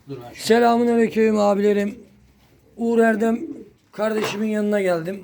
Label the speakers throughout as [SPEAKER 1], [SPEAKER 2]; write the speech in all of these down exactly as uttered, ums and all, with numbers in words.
[SPEAKER 1] Selamünaleyküm abilerim. Uğur Erdem kardeşimin yanına geldim.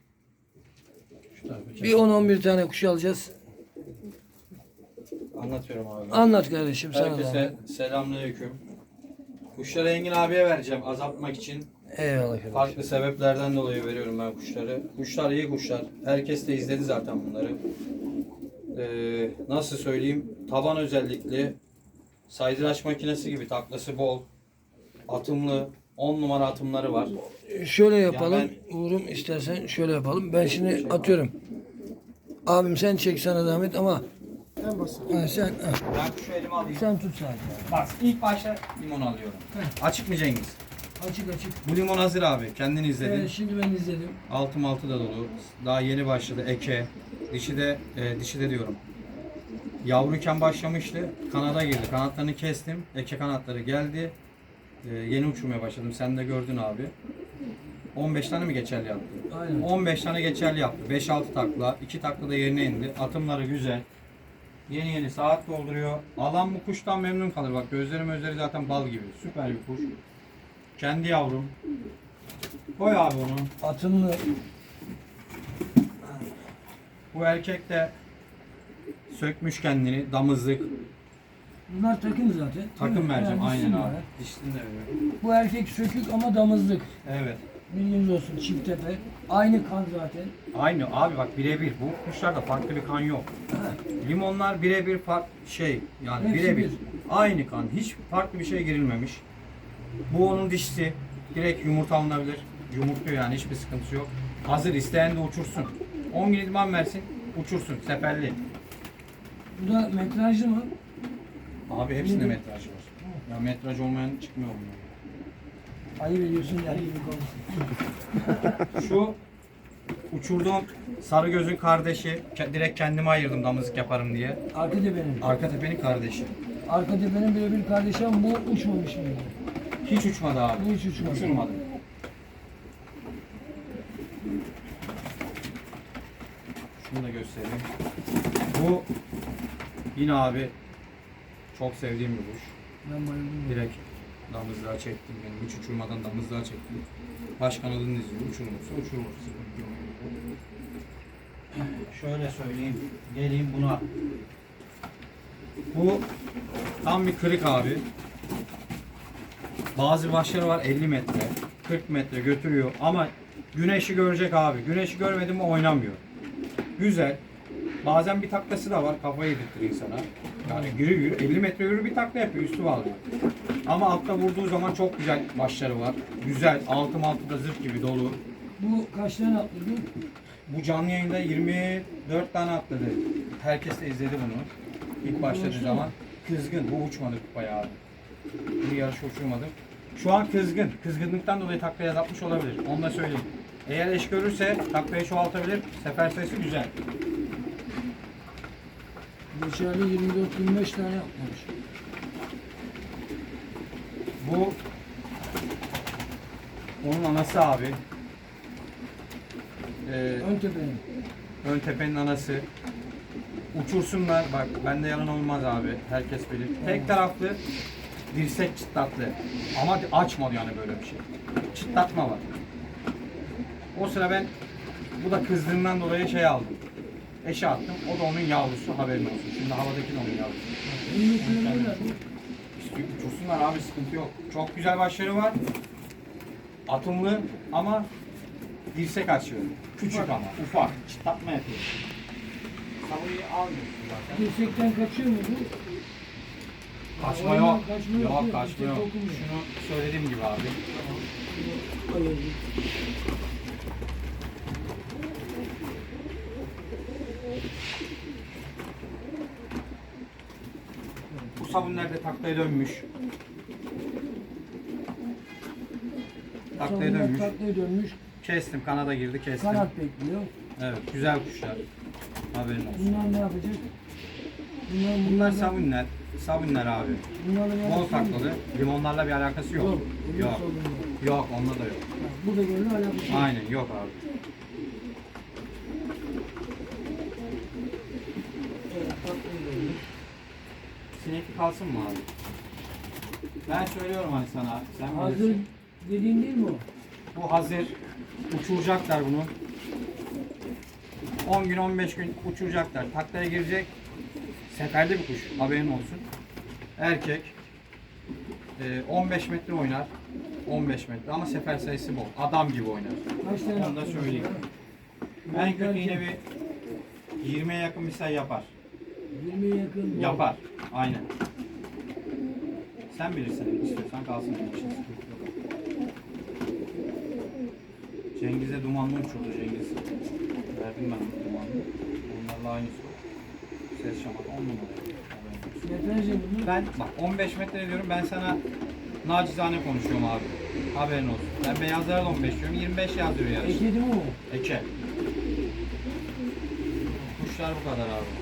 [SPEAKER 1] Bir on on bir tane kuş alacağız.
[SPEAKER 2] Anlatıyorum abi.
[SPEAKER 1] Anlat kardeşim sana da.
[SPEAKER 2] Herkese selamünaleyküm. Kuşları Engin abiye vereceğim azaltmak için.
[SPEAKER 1] Eyvallah kardeşim.
[SPEAKER 2] Farklı sebeplerden dolayı veriyorum ben kuşları. Kuşlar iyi kuşlar. Herkes de izledi zaten bunları. Ee, nasıl söyleyeyim? Taban özellikli. Saydıraç makinesi gibi, taklası bol. Atımlı. on numara atımları var.
[SPEAKER 1] Şöyle yapalım.
[SPEAKER 2] Ya
[SPEAKER 1] Uğur'um istersen şöyle yapalım. Ben şimdi atıyorum. Abim sen çek sana zahmet ama
[SPEAKER 3] En basit.
[SPEAKER 1] ha, sen ha,
[SPEAKER 2] Ben kuşu elime alayım.
[SPEAKER 1] sen tut sadece.
[SPEAKER 2] Bak ilk başta limon alıyorum. Açık mı Cengiz?
[SPEAKER 1] Açık açık.
[SPEAKER 2] Bu limon hazır abi. Kendin izledin.
[SPEAKER 1] Evet, şimdi ben izledim.
[SPEAKER 2] Altı altı da dolu. Daha yeni başladı eke. Dişi de e, dişi de diyorum. Yavruyken başlamıştı. Kanada girdi. Kanatlarını kestim. Eke kanatları geldi. E, yeni uçurmaya başladım. Sen de gördün abi. on beş tane mi geçerli yaptı?
[SPEAKER 1] Aynen.
[SPEAKER 2] on beş tane geçerli yaptı. beş altı takla. iki takla da yerine indi. Atımları güzel. Yeni yeni saat dolduruyor. Alan bu kuştan memnun kalır. Bak gözleri gözleri zaten bal gibi. Süper bir kuş. Kendi yavrum. Koy abi onu.
[SPEAKER 1] Atımlı.
[SPEAKER 2] Bu erkek de sökmüş kendini, damızlık.
[SPEAKER 1] Bunlar takım zaten.
[SPEAKER 2] Takım vereceğim
[SPEAKER 1] Yani
[SPEAKER 2] aynen
[SPEAKER 1] dişli
[SPEAKER 2] abi.
[SPEAKER 1] bunlar.
[SPEAKER 2] Dişini de veriyorum.
[SPEAKER 1] Bu erkek sökük ama damızlık.
[SPEAKER 2] Evet.
[SPEAKER 1] Bilginiz olsun, çift tepe. Aynı kan zaten.
[SPEAKER 2] Aynı abi bak birebir. Bu kuşlarda farklı bir kan yok. Limonlar birebir farklı şey yani
[SPEAKER 1] Hepsi
[SPEAKER 2] birebir.
[SPEAKER 1] bir.
[SPEAKER 2] Aynı kan. Hiç farklı bir şey girilmemiş. Bu onun dişisi. Direkt yumurta alınabilir. Yumurtluyor yani hiçbir sıkıntısı yok. Hazır isteyen de uçursun. on gün idman versin uçursun seferli.
[SPEAKER 1] Bu da metrajlı mı?
[SPEAKER 2] Abi hepsinde metraj var. Ya metraj olmayan çıkmıyor bunlar.
[SPEAKER 1] Ayıp ediyorsun yani gibi konuşuyorsun.
[SPEAKER 2] Şu uçurduğum sarı gözün kardeşi. Ke- Direkt kendime ayırdım damızlık yaparım diye.
[SPEAKER 1] Arka tepenin.
[SPEAKER 2] Arka tepenin kardeşi.
[SPEAKER 1] Arka tepenin birebir kardeşi ama bu uçmamış mıydı?
[SPEAKER 2] Hiç uçmadı abi.
[SPEAKER 1] Bu hiç uçmadı.
[SPEAKER 2] Uçurmadı. Şunu da göstereyim. Bu yine abi çok sevdiğim bir kuş.
[SPEAKER 1] Ben bayıldım.
[SPEAKER 2] Direkt damızlığa çektim. Yani hiç uçurmadan damızlığa çektim. Baş kanadını izliyor. Uçurmursa uçurur. Sıkıntı yok. Şöyle söyleyeyim. Geleyim buna. Bu tam bir kırık abi. Bazı başları var elli metre, kırk metre götürüyor ama güneşi görecek abi. Güneşi görmedi mi oynamıyor. Güzel. Bazen bir taklası da var. Kafayı yedirtir insana. Yani yürü yürü elli metre yürü bir takla yapıyor. Üstü bağlıyor. Ama altta vurduğu zaman çok güzel başları var. Güzel. Altım altı da zırh gibi dolu.
[SPEAKER 1] Bu kaç tane atladı?
[SPEAKER 2] Bu canlı yayında yirmi dört tane atladı. Herkes de izledi bunu. İlk başladığı zaman. Kızgın. Bu uçmadı bayağı abi. Bu yarışı uçurmadım. Şu an kızgın. Kızgınlıktan dolayı taklayı azaltmış olabilir. Onu da söyleyeyim. Eğer eş görürse taklayı çoğaltabilir. Sefer sayısı güzel.
[SPEAKER 1] Geçerli yirmi dört yirmi beş tane yapmış.
[SPEAKER 2] Bu onun anası abi. Ee,
[SPEAKER 1] Ön tepenin.
[SPEAKER 2] ön tepenin anası. Uçursunlar. Bak bende yalan olmaz abi. Herkes bilir. Tek taraflı dirsek çıtlatlı. Ama açmadı yani böyle bir şey. Çıtlatma var. O sıra ben bu da kızdığından dolayı şey aldım. Eşe attım. O da onun yavrusu haberin olsun. Şimdi havadaki de onun yavrusu.
[SPEAKER 1] Bunu kullanıyorlar.
[SPEAKER 2] İstiyor, uçursunlar abi sıkıntı yok. Çok güzel başları var. Atımlı ama dirsek açıyor. Küçük ama ufak. Çıtlatma yapıyor. Savuyı almıyorsun zaten.
[SPEAKER 1] Dirsekten kaçıyor mu bu?
[SPEAKER 2] Kaçma
[SPEAKER 1] Oyundan
[SPEAKER 2] yok.
[SPEAKER 1] kaçma
[SPEAKER 2] Yok
[SPEAKER 1] yok,
[SPEAKER 2] kaçma yok.
[SPEAKER 1] direkt okumuyor.
[SPEAKER 2] Şunu söylediğim gibi abi.
[SPEAKER 1] Hayır.
[SPEAKER 2] Bu sabunlar da taklaya dönmüş. Taklaya
[SPEAKER 1] Sonunda
[SPEAKER 2] dönmüş.
[SPEAKER 1] taklaya dönmüş.
[SPEAKER 2] Kestim. Kanada girdi kestim.
[SPEAKER 1] Kanat bekliyor.
[SPEAKER 2] Evet güzel kuşlar. Haberin olsun.
[SPEAKER 1] Bunlar ne yapacak? Bunlar,
[SPEAKER 2] Bunlar
[SPEAKER 1] da-
[SPEAKER 2] sabunlar. Sabunlar abi.
[SPEAKER 1] Bunlarla ne
[SPEAKER 2] Bol
[SPEAKER 1] yapacak?
[SPEAKER 2] taklalı. Limonlarla bir alakası yok.
[SPEAKER 1] Yok.
[SPEAKER 2] Yok.
[SPEAKER 1] Yok.
[SPEAKER 2] Yok onunla da yok.
[SPEAKER 1] Bu da böyle alakası yok.
[SPEAKER 2] Aynen yok abi.
[SPEAKER 1] Evet, taklaya dönmüş.
[SPEAKER 2] Sinekli kalsın mı abi? Ben söylüyorum hani sana. Sen
[SPEAKER 1] Hazır
[SPEAKER 2] bilirsin.
[SPEAKER 1] dediğin değil mi o?
[SPEAKER 2] Bu hazır. Uçuracaklar bunu. on gün on beş gün uçuracaklar. Taklaya girecek. Seferde bir kuş. Haberin olsun. Erkek. Ee, on beş metre oynar. on beş metre ama sefer sayısı bol. Adam gibi oynar.
[SPEAKER 1] Kaç tane
[SPEAKER 2] Onu da
[SPEAKER 1] attın
[SPEAKER 2] söyleyeyim.
[SPEAKER 1] mesela?
[SPEAKER 2] En kötü yine bir yirmiye yakın bir sayı yapar.
[SPEAKER 1] yirmiye yakın.
[SPEAKER 2] Yapar. Aynen. Sen bilirsin. İstiyorsan kalsın. benim için sıkıntı yok. Cengiz'e dumanlı uçurdu Cengiz. Verdim ben ona dumanlı. Onlarla aynısı. Ses şamat on numara.
[SPEAKER 1] Metrajı bunu.
[SPEAKER 2] Ben bak on beş metre diyorum, ben sana nacizane konuşuyorum abi. Haberin olsun. Ben beyazlara da on beş diyorum. yirmi beş yazıyor yarış.
[SPEAKER 1] Ekedi mi o?
[SPEAKER 2] Eke. Kuşlar bu kadar abi.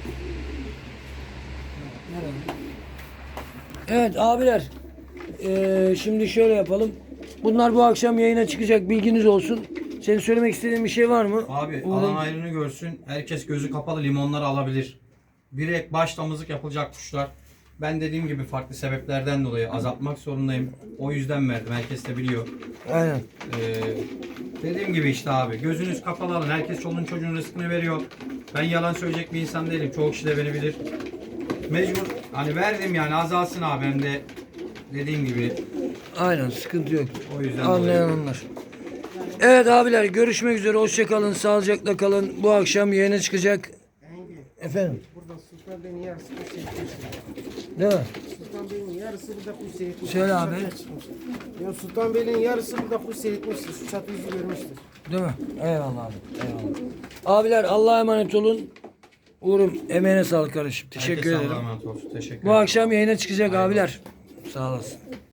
[SPEAKER 1] Evet abiler. Ee, şimdi şöyle yapalım. Bunlar bu akşam yayına çıkacak, bilginiz olsun. Senin söylemek istediğin bir şey var mı?
[SPEAKER 2] Abi
[SPEAKER 1] Uğur'un-
[SPEAKER 2] alan ayrını görsün. Herkes gözü kapalı limonları alabilir. Bir ek baş damızlık yapılacak kuşlar. Ben dediğim gibi farklı sebeplerden dolayı azaltmak zorundayım. O yüzden verdim. Herkes de biliyor.
[SPEAKER 1] Aynen.
[SPEAKER 2] Ee, dediğim gibi işte abi. Gözünüz kapalı alın. Herkes çoluğun çocuğun rızkını veriyor. Ben yalan söyleyecek bir insan değilim. Çoğu kişi de beni bilir. Mecbur. Hani verdim yani, azalsın abi. Hem de dediğim gibi
[SPEAKER 1] Aynen, sıkıntı yok.
[SPEAKER 2] o yüzden
[SPEAKER 1] Anlayan
[SPEAKER 2] dolayı.
[SPEAKER 1] onlar. Evet abiler, görüşmek üzere. Hoşça kalın. Sağlıcakla kalın. Bu akşam yayına çıkacak. Efendim.
[SPEAKER 3] Burada Sultan Bey'in yarısı kuş seyretmiş.
[SPEAKER 1] Değil mi?
[SPEAKER 3] Sultan Bey'in yarısı burada kuş seyretmiş.
[SPEAKER 1] Söyle abi.
[SPEAKER 3] Ya Sultan Bey'in yarısı burada kuş seyretmiştir. Şu çatı yüzü görmüştür.
[SPEAKER 1] Değil mi? Eyvallah abi. Eyvallah. Abiler Allah'a emanet olun. Uğur'um emeğine sağlık kardeşim. Teşekkür
[SPEAKER 2] Herkese
[SPEAKER 1] ederim.
[SPEAKER 2] Allah'a emanet olsun. Teşekkür
[SPEAKER 1] Bu
[SPEAKER 2] ederim.
[SPEAKER 1] akşam yayına çıkacak
[SPEAKER 2] Eyvallah.
[SPEAKER 1] abiler. Sağ olasın.